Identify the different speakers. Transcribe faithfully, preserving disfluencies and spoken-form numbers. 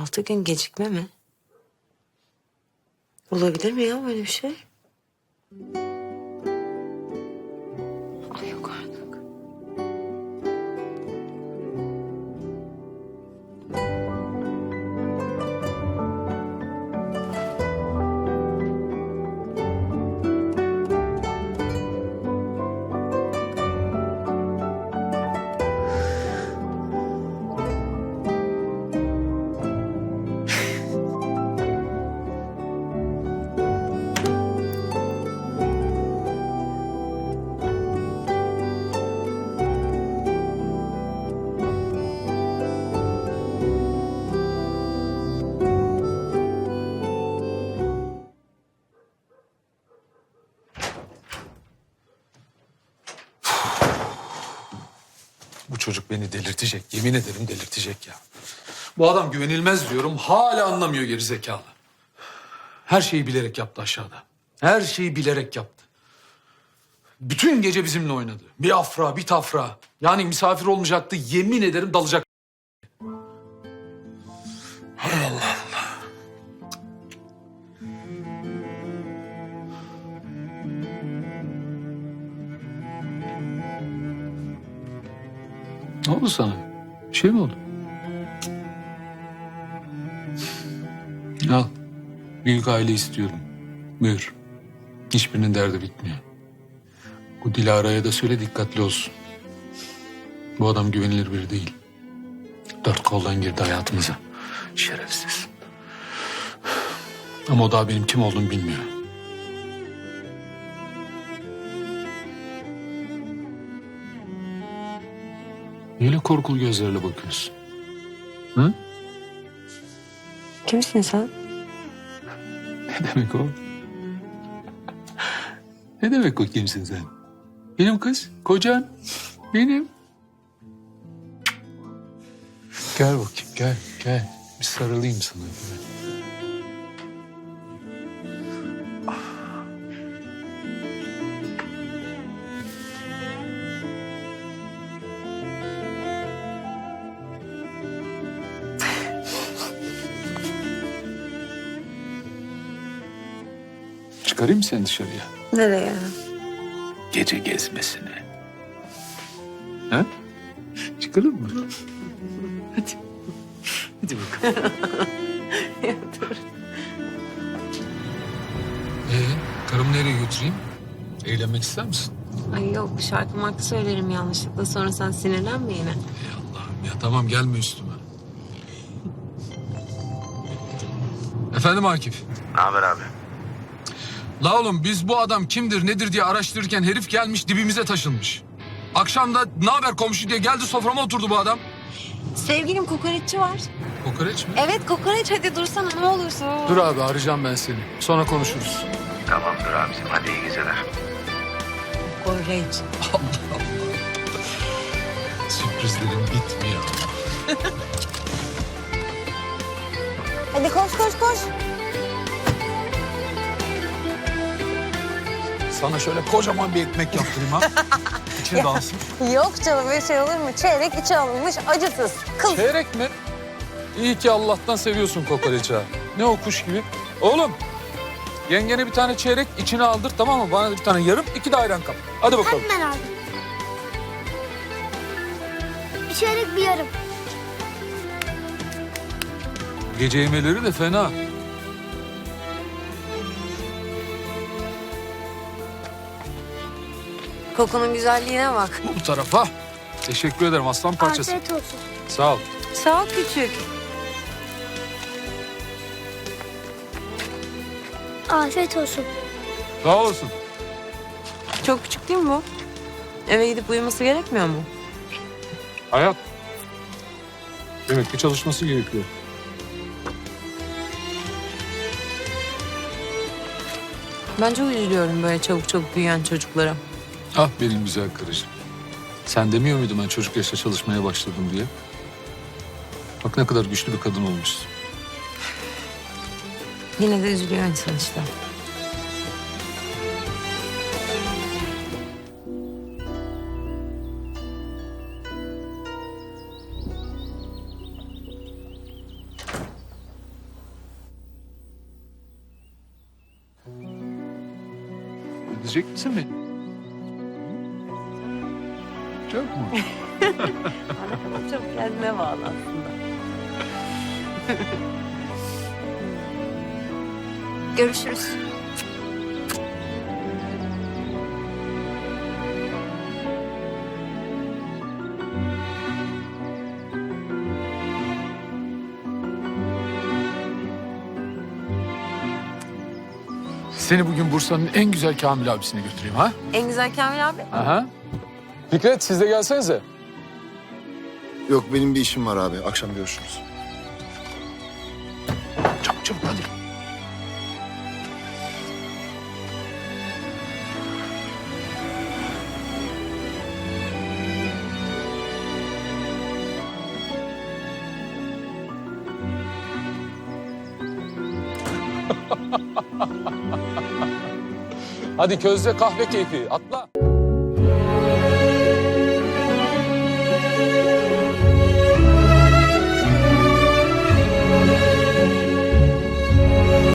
Speaker 1: Altı gün gecikme mi? Olabilir mi ya böyle bir şey? Ay yok artık.
Speaker 2: Bu çocuk beni delirtecek. Yemin ederim delirtecek ya. Bu adam güvenilmez diyorum. Hala anlamıyor gerizekalı. Her şeyi bilerek yaptı aşağıda. Her şeyi bilerek yaptı. Bütün gece bizimle oynadı. Bir afra, bir tafra. Yani misafir olmayacaktı. Yemin ederim dalacak. Hay Allah Allah. Ne oldu sana? Bir şey mi oldu? Al. Büyük aile istiyorum. Buyur. Hiçbirinin derdi bitmiyor. Bu Dilara'ya da söyle dikkatli olsun. Bu adam güvenilir biri değil. Dört koldan girdi hayatımıza. Şerefsiz. Ama o daha benim kim olduğumu bilmiyor. Niye öyle korkulu gözlerle bakıyorsun? Hı?
Speaker 1: Kimsin sen?
Speaker 2: Ne demek o? Ne demek o kimsin sen? Benim kız, kocan, benim. Gel bakayım, gel, gel. Bir sarılayım sana. Gel. Çıkarayım mı seni dışarıya?
Speaker 1: Nereye?
Speaker 2: Gece gezmesine. Ha? Çıkalım mı? Hadi. Hadi bakalım.
Speaker 1: Ya dur.
Speaker 2: Ee, karımı nereye götüreyim? Eğlenmek ister misin?
Speaker 1: Ay yok şarkı markı söylerim yanlışlıkla sonra sen sinirlenme yine.
Speaker 2: Ey Allah'ım ya tamam gelme üstüme. Efendim Akif.
Speaker 3: Ne haber abi?
Speaker 2: La oğlum biz bu adam kimdir nedir diye araştırırken herif gelmiş dibimize taşınmış. Akşam da ne haber komşu diye geldi soframa oturdu bu adam.
Speaker 1: Sevgilim kokoreççi var.
Speaker 2: Kokoreç mi?
Speaker 1: Evet kokoreç hadi dursana ne olursun.
Speaker 2: Dur abi arayacağım ben seni. Sonra konuşuruz.
Speaker 3: Tamamdır abicim, hadi iyi geceler.
Speaker 1: Kokoreç.
Speaker 2: Sürprizlerim bitmiyor.
Speaker 1: Hadi koş koş koş.
Speaker 2: Sana şöyle kocaman bir ekmek yaptırayım ha. İçine dalsın.
Speaker 1: Yok canım bir şey olur mu? Çeyrek içi alınmış acısız. Kıl.
Speaker 2: Çeyrek mi? İyi ki Allah'tan seviyorsun kokoreçi ha. Ne o kuş gibi. Oğlum yengene bir tane çeyrek içine aldır tamam mı? Bana da bir tane yarım iki de ayran kap. Hadi bakalım.
Speaker 4: Hemen abi. Bir çeyrek bir yarım.
Speaker 2: Gece yemeleri de fena.
Speaker 1: Kokunun güzelliğine bak.
Speaker 2: Bu tarafa. Teşekkür ederim aslan parçası.
Speaker 4: Afiyet olsun.
Speaker 2: Sağ ol.
Speaker 1: Sağ ol küçük.
Speaker 4: Afiyet olsun.
Speaker 2: Sağ olasın.
Speaker 1: Çok küçük değil mi bu? Eve gidip uyuması gerekmiyor mu?
Speaker 2: Hayat. Demek ki çalışması gerekiyor.
Speaker 1: Bence üzülüyorum böyle çabuk çabuk büyüyen çocuklara.
Speaker 2: Ah benim güzel karıcığım. Sen demiyor muydun ben çocuk yaşta çalışmaya başladım diye? Bak ne kadar güçlü bir kadın olmuşsun.
Speaker 1: Yine de üzülüyor insan işte.
Speaker 2: edecek misin beni? Çok mu?
Speaker 1: Bana çok kendime bağlı aslında.
Speaker 4: Görüşürüz.
Speaker 2: Seni bugün Bursa'nın en güzel Kamil abisine götüreyim ha?
Speaker 1: En güzel Kamil abi.
Speaker 2: Aha. Fikret siz de gelsenize.
Speaker 5: Yok benim bir işim var abi. Akşam görüşürüz.
Speaker 2: Çabuk çabuk hadi. Hadi közde kahve keyfi atla.